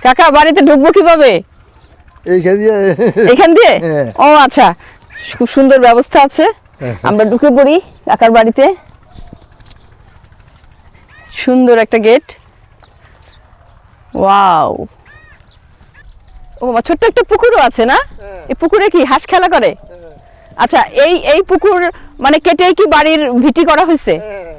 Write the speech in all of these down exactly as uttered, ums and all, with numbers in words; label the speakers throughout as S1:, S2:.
S1: কাকা বাড়িতে ঢুকবো কিভাবে?
S2: এইখান দিয়ে
S1: এখান দিয়ে?
S2: হ্যাঁ।
S1: ও আচ্ছা, খুব সুন্দর ব্যবস্থা আছে। আমরা ঢুকে পড়ি কাকার বাড়িতে। সুন্দর একটা গেট। ওয়াও, ও মা, ছোট্ট একটা পুকুরও আছে না? এই পুকুরে কি হাঁস খেলা করে? আচ্ছা, এই এই পুকুর মানে কেটেই কি বাড়ির ভিটি করা হয়েছে?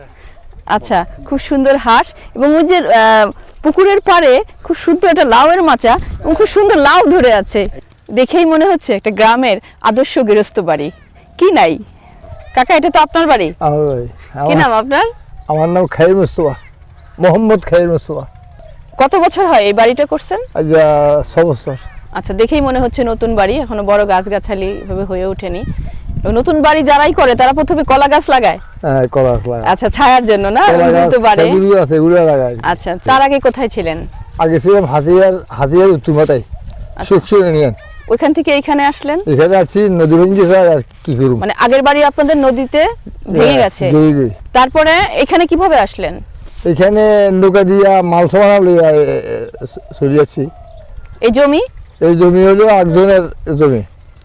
S1: আচ্ছা, খুব সুন্দর হাঁস এবং ওই যে আহ, পুকুরের পাড়ে খুব সুন্দর একটা লাউয়ের মাচা এবং খুব সুন্দর লাউ ধরে আছে। দেখেই মনে হচ্ছে একটা গ্রামের আদর্শ গৃহস্থ বাড়ি। কি নাই কাকা, এটা তো আপনার বাড়ি।
S2: আমার বাড়ি।
S1: কি নাম আপনার?
S2: আমার নাম খাইর মুস্তফা, মোহাম্মদ খাইর মুস্তফা।
S1: কত বছর হয় এই বাড়িটা করছেন?
S2: আজ ছ বছর।
S1: আচ্ছা, দেখেই মনে হচ্ছে নতুন বাড়ি, এখনো বড় গাছগাছালি ভাবে হয়ে ওঠেনি। এবং নতুন বাড়ি যারাই করে তারা প্রথমে কলা গাছ লাগায়।
S2: হ্যাঁ, কলা গাছ লাগায়।
S1: আচ্ছা, ছায়ার জন্য না?
S2: কলা গাছ,
S1: তো বাড়ে।
S2: খেজুর গাছ এগুলো লাগায়।
S1: আচ্ছা, তার আগে কোথায় ছিলেন?
S2: আগে ছিলাম হাতিয়ার, হাতিয়ার উত্তর মাথায় সুখসুর ইউনিয়ন।
S1: ওইখান থেকে এখানে আসলেন?
S2: এখানে আসছি, নদী ভেঙে গেছে আর কি করব।
S1: মানে আগের বাড়ি আপনাদের নদীতে ভেঙে গেছে,
S2: জড়িয়ে গই।
S1: তারপরে এখানে কিভাবে আসলেন?
S2: এখানে নৌকা দিয়া মাল সামান লইয়া চলে যাচ্ছি।
S1: এই জমি?
S2: এই জমি হলো একজনের জমি,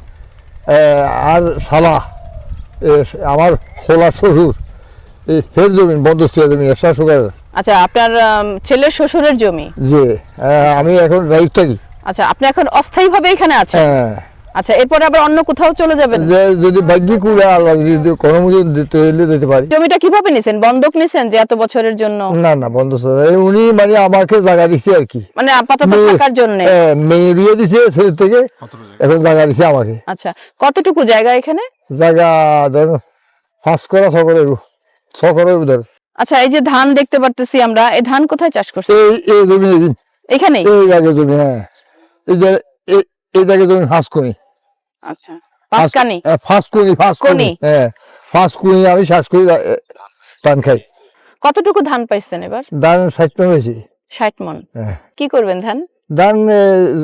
S2: এ, আর শালা এ, আমার হোলা শ্বশুর, এই হের জমি, বন্দোবস্ত জমি শাসকের।
S1: আচ্ছা, আপনার আম, ছেলের শ্বশুরের জমি।
S2: যে এ, আমি এখন রাইট থাকি।
S1: আচ্ছা, আপনি এখন অস্থায়ীভাবে এখানে আছেন?
S2: হ্যাঁ।
S1: আচ্ছা, এরপরে আবার অন্য কোথাও চলে যাবেন?
S2: যে যদি ভাগ্যে কুড়া আল্লাহ যদি কোনো মতো দিতে হইলে যেতে পারি।
S1: জমিটা কিভাবে নিছেন? বন্ধক নিছেন যে এত বছরের জন্য?
S2: না না, বন্দোবস্ত উনি মানে আমাকে জায়গা দিচ্ছে আর কি,
S1: মানে আপাতত
S2: মেয়ে-
S1: থাকার জন্য?
S2: এ, মেয়ে বিয়ে দিছে ছেলের থেকে, এখন জায়গা দিছে আমাকে।
S1: আচ্ছা, কতটুকু জায়গা এখানে?
S2: জায়গা ধর পাঁচ করা ছ করে ছ করে ধর।
S1: আচ্ছা, এই যে ধান দেখতে পারতেছি আমরা, এই ধান কোথায় চাষ করছেন?
S2: এই এই জমি এদিন
S1: এখানেই?
S2: এই জায়গায় জমি। হ্যাঁ, এই যে এই- এই জায়গায় জমি ফাঁস করি।
S1: আচ্ছা, পাঁচকানি?
S2: ফাঁস করি, ফাঁস করি।
S1: কোনি?
S2: হ্যাঁ, ফাঁস করি, আমি শ্বাস করি, এ, পান খাই।
S1: কতটুকু ধান পাইছেন এবার?
S2: ধান ষাট টাকা হয়েছে।
S1: ষাট মন?
S2: হ্যাঁ,
S1: কি করবেন ধান?
S2: ধান এ,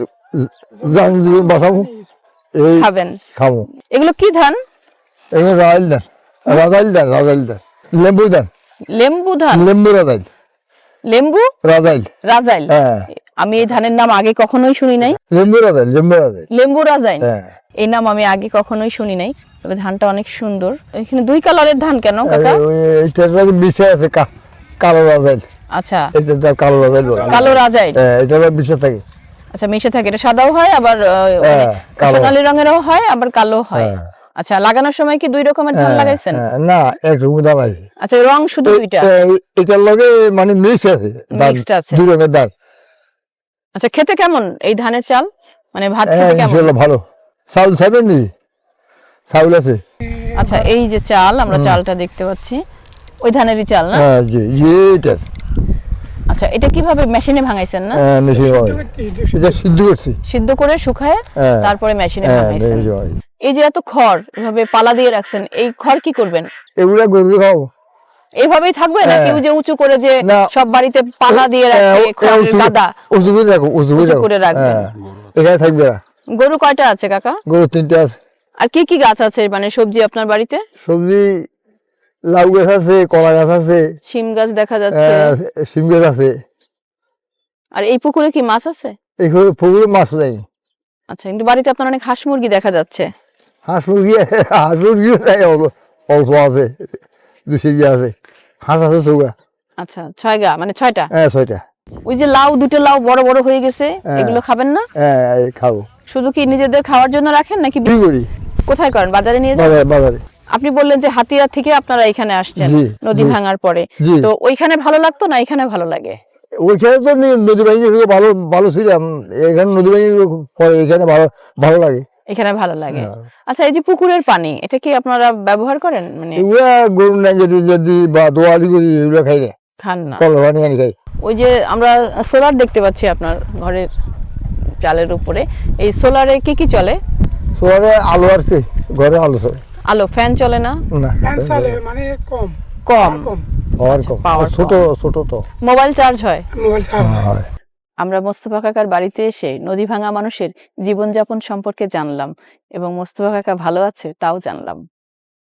S2: জান জীবন বাঁচাবো, এই
S1: খাবেন?
S2: খাবো।
S1: এগুলো কি ধান?
S2: এগুলো রাজাইল ধান, রাজাইল ধান, রাজাইল ধান, লেম্বু ধান,
S1: লেম্বু ধান?
S2: লেম্বু রাজাইল,
S1: লেম্বু
S2: রাজাইল।
S1: রাজাইল?
S2: হ্যাঁ,
S1: আমি এই ধানের নাম আগে কখনোই শুনি নাই।
S2: লেম্বু রাজাইল, লেম্বু রাজাইল।
S1: লেম্বু রাজাইল?
S2: হ্যাঁ,
S1: এই নাম আমি আগে কখনোই শুনি নাই, তবে ধানটা অনেক সুন্দর। এখানে দুই কালারের ধান কেন কাকা?
S2: এইটার বিষে আছে কা- কালো রাজাইল।
S1: আচ্ছা,
S2: এটা কালো রাজাইল বলে।
S1: কালো রাজাইল?
S2: হ্যাঁ, এটা বিষে থাকে।
S1: আচ্ছা, মিশে থাকে। এটা সাদাও হয়, আবার
S2: হ্যাঁ, কালো।
S1: সোনালী রঙেরও হয়, আবার কালো হয়।
S2: হ্যাঁ।
S1: আচ্ছা, লাগানোর সময় কি দুই রকমের ধান
S2: হ্যাঁ,
S1: লাগাইছেন?
S2: হ্যাঁ, না, একরকম ধান আছে।
S1: আচ্ছা, রং শুধু দুইটা?
S2: এ- এটার লগে মানে মিক্স আছে, ধান,
S1: Mixed আছে।
S2: দুই রঙের ধান।
S1: আচ্ছা, খেতে কেমন এই ধানের চাল? মানে ভাত
S2: হ্যাঁ,
S1: খেতে কেমন?
S2: ইনশাল্লাহ ভালো। চাউল খাবেন নি? চাউল আছে।
S1: আচ্ছা, এই যে চাল, আমরা চালটা দেখতে পাচ্ছি, ওই ধানেরই চাল না?
S2: হ্যাঁ, জি জি, এটার।
S1: আচ্ছা, এটা কিভাবে মেশিনে ভাঙাইছেন না?
S2: হ্যাঁ, মেশিন হয়। এটা সিদ্ধ করছি।
S1: সিদ্ধ করে শুকায়
S2: হ্যাঁ।
S1: তারপরে মেশিনে
S2: হ্যাঁ,
S1: ভাঙাইছেন।
S2: মেশিন হয়।
S1: এই যে এত খড় এভাবে পালা দিয়ে রাখছেন, এই খড় কি করবেন?
S2: এগুলা গরু খাও।
S1: এইভাবেই থাকবে নাকি
S2: হ্যাঁ।
S1: ওই যে উঁচু করে যে
S2: না।
S1: সব বাড়িতে পালা দিয়ে রাখে, খড়ের গাদা
S2: উজু করে রাখো, উজু করে
S1: উঁচু
S2: রাখো।
S1: করে রাখবেন?
S2: হ্যাঁ, এখানে থাকবে না।
S1: গরু কয়টা আছে কাকা?
S2: গরু তিনটে আছে।
S1: আর কি কি গাছ আছে মানে সবজি আপনার বাড়িতে?
S2: সবজি লাউ গাছ আছে, কলা গাছ আছে,
S1: শিম গাছ দেখা যাচ্ছে।
S2: আহ, শিম গাছ আছে।
S1: আর এই পুকুরে কি মাছ আছে?
S2: এখানে পুকুরে মাছ নেই।
S1: আচ্ছা, কিন্তু বাড়িতে আপনার অনেক হাঁস মুরগি দেখা যাচ্ছে।
S2: হাঁস মুরগি, হাঁস মুরগিও নাই, অল্প- অল্প আছে, দু সিরগি আছে। হাঁস আছে চৌকা।
S1: আচ্ছা, ছয় গা মানে ছয়টা?
S2: হ্যাঁ, ছয়টা।
S1: ওই যে লাউ, দুটো লাউ বড় বড় হয়ে গেছে,
S2: হ্যাঁ।
S1: এগুলো খাবেন না?
S2: হ্যাঁ, এই খাবো।
S1: শুধু কি নিজেদের খাওয়ার জন্য রাখেন নাকি
S2: কি করি?
S1: কোথায় করেন? বাজারে নিয়ে যান?
S2: বাজারে, বাজারে।
S1: আপনি বললেন যে হাতিয়া থেকে আপনারা এখানে আসছেন
S2: জি,
S1: নদী
S2: জি।
S1: ভাঙার পরে,
S2: জি।
S1: তো ওইখানে ভালো লাগতো না এখানে ভালো লাগে?
S2: ওইখানে তো নি- নদী বাহিনী ভালো ভালো ছিলাম, এখানে নদী বাহিনী পরে এখানে ভালো ভালো লাগে।
S1: এখানে ভালো লাগে।
S2: হ্যাঁ।
S1: আচ্ছা, এই যে পুকুরের পানি, এটা কি আপনারা ব্যবহার করেন? মানে
S2: এগুলা গরু নাই যদি যদি বা দোয়ালি করি, এগুলো খাই না,
S1: খান না?
S2: কল পানি আনি খাই।
S1: ওই যে আমরা সোলার দেখতে পাচ্ছি আপনার ঘরের চালের উপরে, এই সোলারে কি কি চলে?
S2: শহরে আলো আসছে, ঘরে আলো চলে
S1: আলো, ফ্যান চলে না?
S2: না,
S3: চলে মানে কম
S1: কম?
S3: কম
S2: পাওয়ার কম,
S1: পাওয়ার
S2: আর ছোট ছোট তো
S1: মোবাইল চার্জ হয়?
S3: মোবাইল চার্জ
S2: হয়।
S1: আমরা মোস্তফা কাকার বাড়িতে এসে নদী ভাঙা মানুষের জীবনযাপন সম্পর্কে জানলাম এবং মোস্তফা কাকা ভালো আছে তাও জানলাম।